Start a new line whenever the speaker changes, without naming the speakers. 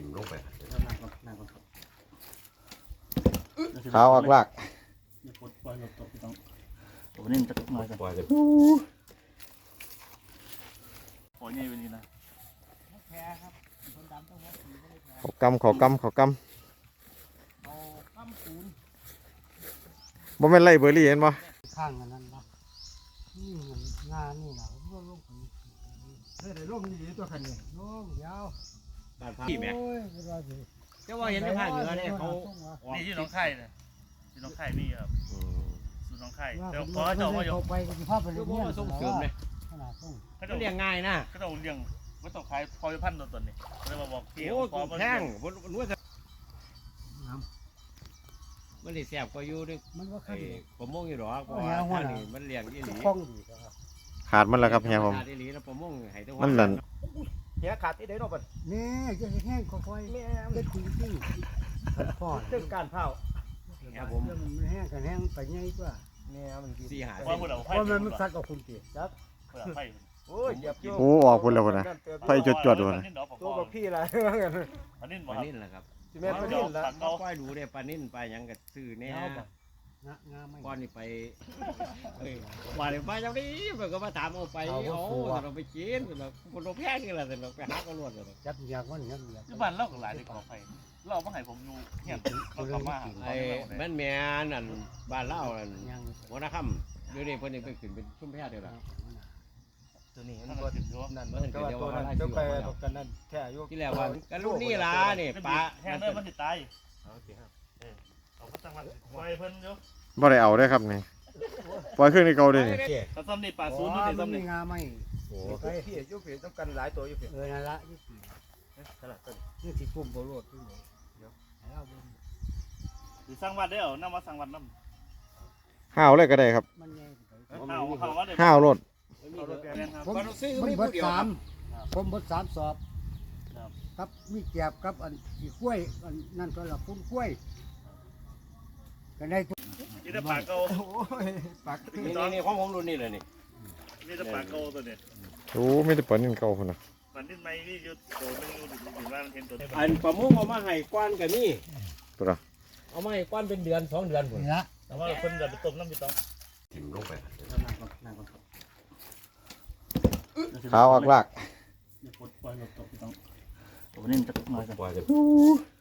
ลงไป
ขาวอักลาก
อย่าปลดปล่อยหลบตกต้องตัวนี้จะน้อยกัน
ปล่อยเลย
โอ้ยนี่เป็นนี่นะ
เขากำบ่แม่นไล่เบอร์รี่เห็นบ่
ข้างนั้นนะนี่มันงานนี่นะผมก็ลงไปได้ลงนี่ตัวคันนี้ลงยาว
พี่แม่
โอ้ยไม่ว่าสิ
เจ้าว่าเห็นในภาคเหนือเนี่ยเขา
นี่ที่น้องไข่เนี่ยที่น้องไข่นี่ครับสูตรน้องไข่
ว่า
เดี๋ยว
ผม
ขอเจ้ามาอยู่
ไปกับภาพไปเรียน
ก็ส่งเสริมเลย
ขนาดส่ง
เขา
ก็
จะ
เลี้ยงง่ายนะ
เขาจะเลี้ยงไม่ต้องขายพอจะพันตัวนี้เลยมาบอกพี่
โอ้
ขอมา
แข้งนวด
น้
มันได้แซ่บก็อยู่ด้วย
ำมันว่า
ไอ้
ขั้น
ประมงอยู่หรอกเพราะว่าท่านนี่มันเลี้ยงอีหลี
คล้องดีก็
ขาดมันแล้วครับเฮียผม
อีหลีแล้วประมงให้ตัว
มันนั่น
เฮียขาดที่ไหนเนาะบัด
นี่จะแห้งค่อยๆเด็ดจริงๆพ่อ
เรื่องการเผา
ครับผม
มันแห้งกันแห้งไปไงตัว
เนี่ยมันกิน
4-5
ว่าพูดเอา
เพ
ไข่
ราะมันซัดกับคุณตี
จับ
ไข่
โอ้ยเหยียบอยู่
โอ้ออกพุ่นแล้วพุ่นน่ะไฟจดๆพุ่นน่ะ
ตัวกับพี่อะไร
อันนี้
ป
บ่
ลา
ครับ
นิ่นแหละครับ
จิแม่นปลานิ่นละ
ก็ปล่อยดูได้ปลานิ่นปลาหยังก็ซื้อแน่
งาไม่
ก่อนนี่ไปว่าเลยไปจังนี้มันก็มาถามเอาไปเอาเราไปกินเราคนเราแพงนี่แหละแต่เราไปหาก็รวดเลย
จับอยากมันอยาก
ที่บ้านเราก็หลายในกอไผ่เรามาให้ผมอยู่เฮียนเขาทำมา
ไอ้แม่นแม่นั่นบ้านเล่านั่น
ยัง
หัวหน้าค่ำเดี๋ยวนี้เพิ่นยังไปขึ้นเป็นชุ่มแพทย์เดียวละ
ตัวนี้
มั
มัน น
ก็
บ่
ถึงอยู่
นั่นมันก็ว่าตัวนั้นเจ้าไปตกกันนั่นแท้อยู่
ที่แรกว่ากันลูกนี่ล่ะนี่ปลา
แห้งเลยมันติดตาย
เอาสิครับ
เอาไปตั้งมาปล่อยเพิ่นอยู่
บ่ได้เอาได้ครับนี่ปล่อยเครื่องในเก่าเด้นี่
ถ้าซ้ำนี่ปลาศูนย์
มั
นี่
น
ซ้ำ
มี
นี่
งาไม่
โอ้พี่อยู่พี่ต้องกันหลายตัวอยู่พี่
นั่นละนี่
ขนาดต้น
นี่สิปุ่มโบโรดนี่เดี๋ยวเอาบน
หรือสร้างวัดได้เหรอน้ำมาสร้างวัดน้ำ
ห้าวเลยก็ได้ครับ
มันใหญ่
ข้าววัดเลย
ห้าวรถ
ผมเบิดผมเบิดสามสอบครับมีแกบครับอันอีกล้วยอันนั่นก็ละพุ่นกล้วยก็ได้ทุก
นี่แต่ปลาเก่า
โอ้ยปาก
นี่ของผมรุ่นนี้เลยนี่
นี่แต่ปลาเก่าตัวนี้
โอ้มีแต่ปลานิ่นเก่าพุ่นน่ะ
ปลาดิ้นไม้นี่อยู่โตนึงอยู่ถึงว่ามันเห็นตัว
อันประมงเอามาให้ก้อนกับนี่
ตัวละ
เอามาให้ก้อนเป็นเดือน2 เดือนพุ่น
นี่ละ
แต่ว่าคนจะไปต้มน้ำไปต้ม
ถิ่มลงไป
ขาวอักลาก
อย่าปลดปล่อยหลบตกต้องตัวนี้จะน้อยกัน
ปล่อยเลย